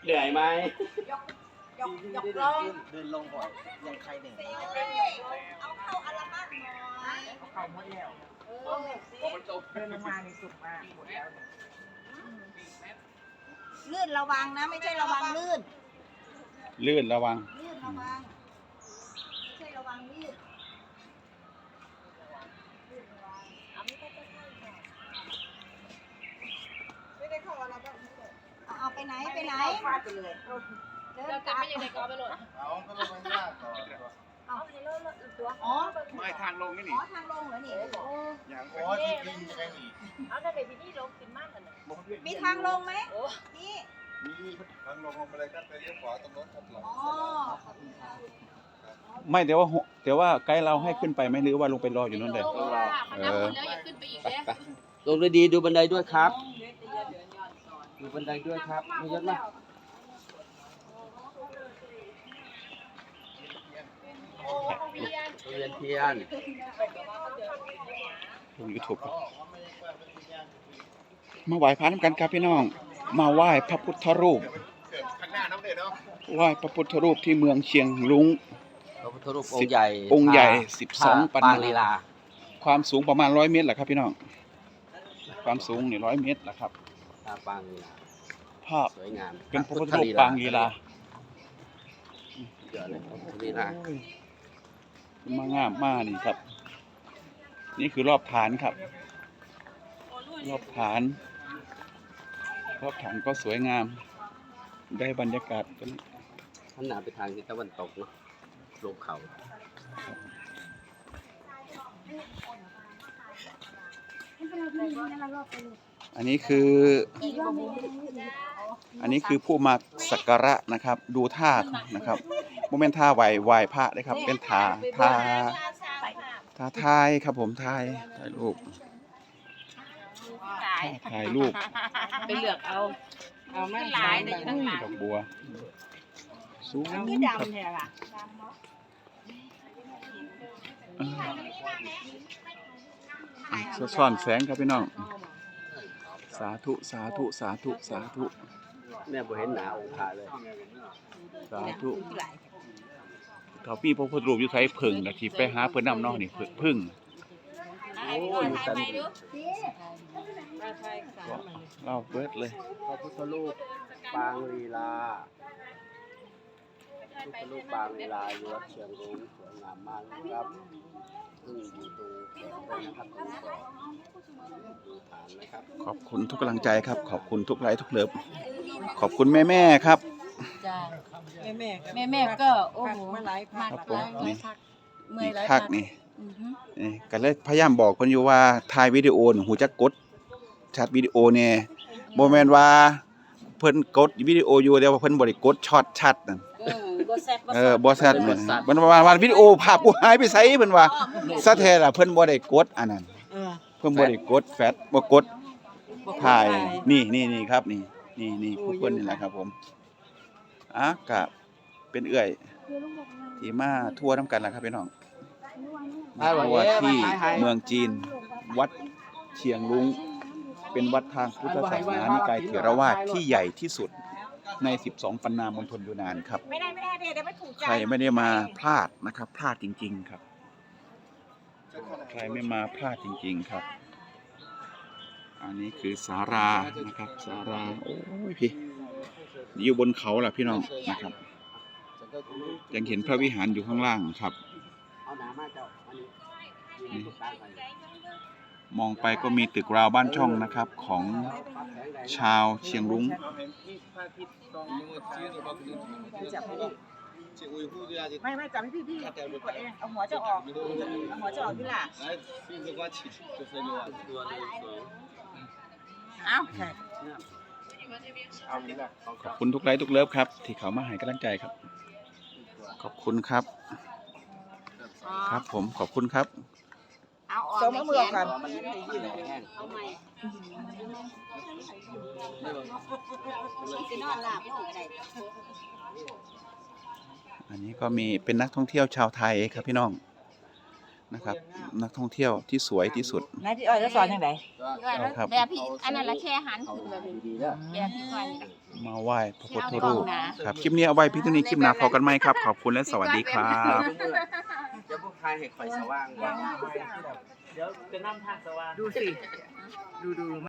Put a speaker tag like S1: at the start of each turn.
S1: เหนื่อยไหม
S2: ยกลงเดินลงก่อนยังใครหนึ่งเอาเข้าอัลบั้มหน่อยเอาเข้าหมดแล้วเดินลงมาในสุดมากหมดแล้วลื่นระวังนะไม่ใช่ระวังลื่น
S3: ลื่นระวัง
S2: ลื่นระวังไม่ใช่ระวังลื่นไม่ได้เข้าอัลบั้มเอาไปไหนไปไหนไปเลยเดินกลับไม่ยังไงก็ไปเลยเอาก็ลงไปยากต่อเอาไปเลยตัวอ๋อ
S1: ไม่ทางลงนี่นี่
S2: อ๋อทางลงเหรอนี่
S1: อย่างโอ้ที่ดินจะได้หนี
S4: เอาแต่เป็นที่ลงกินมากกัน
S2: มีทางลงไหมนี่
S1: มีทางลงไปเลยครับไปเลี้ยวขวาตรงรถครับหลัง
S2: อ๋อ
S3: ไม่แต่ว่าไกด์เราให้ขึ้นไปไหมหรือว่าลงไปรออยู่นั่นเลย
S4: แล้วอย่าขึ้นไปอีกแล้ว
S1: ลงดีๆดูบันไดด้วยครับดูบันไดด้วยครับไม่เยอะนะเรียนเทียน
S3: ลง YouTube ครับมาไหว้พระน้ำกันครับพี่น้องมาไหว้พระพุทธรูปไหว้พระพุทธรูปที่เมืองเชียงรุ้ง
S1: พระพุทธรูปองค์ใหญ่
S3: 12 ปันนาความสูงประมาณ100 เมตรแหละครับพี่น้องความสูงนี่100 เมตรแหละครับ
S1: ปางลีลา
S3: ภาพ
S1: สวยงาม
S3: เป็นพระพุทธรูปปางลีลา
S1: เยอะเลยพระพุทธลีลาม
S3: างามมากนี่ครับนี่คือรอบฐานครับรอบฐานก็สวยงามได้บรรยากาศกัน
S1: ท่านหนาไปทางทิศตะวันตกเนาะลงเขา
S3: อันนี้คือผู้มาสักการะนะครับดูท่านะครับโมเมนต์ท่าไหวพระนะครับเป็นท่าทายครับผมถ่ายรูป
S4: ไปเลือกเอาไม่หลายแต่อยู่ทั้งหลาย
S3: ดอกบัวสูงครับซ่อนแสงครับพี่น้องสาธุ
S1: แม่บ่เห็นหนาองค์พระเลย
S3: สาธุถ้าพี่พระพุทธรูปอยู่ไสพึ่งน่ะที่ไปหาเพิ่นนำเนาะนี่พึ่ง
S1: โอ้อยู่กัน
S3: เราเบิดเลย
S1: พระพุทธรูปปางลีลาพุทธรูปปางลีลาอยู่วัดเชียงรุ้งสวยงามมากนะครับอยู่ตรงนะครับดูฐานนะครับ
S3: ขอบคุณทุกกำลังใจครับขอบคุณทุกไลค์ทุกเลิฟขอบคุณแม่ครับ
S4: แม่ก็โอ้โหมาก
S3: เมื่อยพักนี่ก็เลยพยายามบอกเพิ่นอยู่ว่าถ่ายวิดีโอหูจักกดชัดวิดีโอเนี่ยบ่แม่นว่าเพิ่นกดวิดีโออยู่แต่ว่าเพิ่นบ่ได้กดช็อตชัดนั่นบ่ชัดมันว่าวิดีโอภาพกูหายไปไสเพิ่นว่าซะแท้ล่ะเพิ่นบ่ได้กดอันนั้นเพิ่นบ่ได้กดแฟลชบ่กดถ่ายนี่ครับนี่ผู้เพิ่นนี่แหละครับผมก็เป็นเอื้อยที่มาทัวร์นำกันล่ะครับพี่น้องทัวร์ที่เมืองจีนวัดเชียงรุ้งเป็นวัดทางพุทธศาสนานิกายเถรวาทที่ใหญ่ที่สุดใน12 ปันนามณฑลยูนานครับ
S2: ไม่ได้เดี๋ยวไม่ถูกใจ
S3: ใครไม่ได้มาพลาดนะครับพลาดจริงๆครับใครไม่มาพลาดจริงๆครับอันนี้คือศาลานะครับศาลาโอ้ยพี่อยู่บนเขาล่ะพี่น้องนะครับยังเห็นพระวิหารอยู่ข้างล่างครับมองไปก็มีตึกราวบ้านช่องนะครับของชาวเชียงรุ้ง
S2: ไม่จับให้พี่กดเองเอาหัวจะออกพี่ล่ะเอา
S3: ขอบคุณทุกไลค์ทุกเลิฟครับที่เขามาให้กำลังใจครับขอบคุณครับครับผมขอบคุณครับ
S2: เอามือกัน
S3: อันนี้ก็มีเป็นนักท่องเที่ยวชาวไทยครับพี่น้องนะครับ นักท่องเที่ยวที่สวยที่สุด
S2: นายที่อ้อยก็สอนยังไง
S3: ครับ
S5: แบบพี่อันนั้นละแค่หัน
S1: เขา
S5: ขึ้นแบบ
S1: ดีๆแล้ว
S5: แบบที่ก่อน
S3: มาไหว้พระพุทธรูปครับคลิปนี้เอาไว้พี่ตัวนี้คลิปหน้าพอกันไหมครับ ขอบคุณและสวัสดีครับ
S1: จะพวกทายให้ไฟสว่าง
S2: เดี๋ยวจะนำทางสว่างดูสิดู